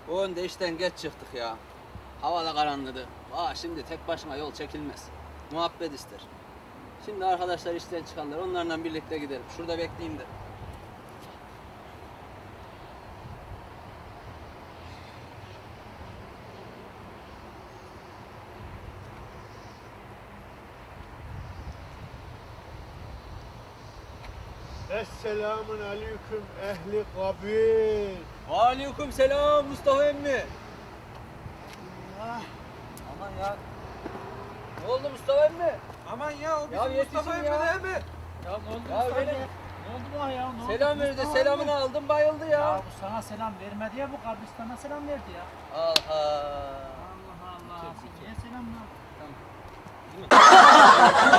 O önde işten geç çıktık ya. Hava da karanlıdı. Şimdi tek başıma yol çekilmez. Muhabbet ister. Şimdi arkadaşlar işten çıkarlar. Onlarla birlikte gidelim. Şurada bekleyeyim de. Esselamun aleyküm ehli kabir. Aleyküm selam Mustafa emmi. Ah, Aman ya. Ne oldu Mustafa emmi? Aman ya o Ya bizim yetişin Mustafa emmi ya. değil mi? Ya ne oldu Ya Mustafa? benim- Ne oldu buna ya? Ne oldu? Selam verdi. Mustafa Selamını abi? aldım bayıldı Ya ya. bu sana selam vermedi ya, bu kabristana selam verdi ya. Allah. Allah Allah. Niye selam ver?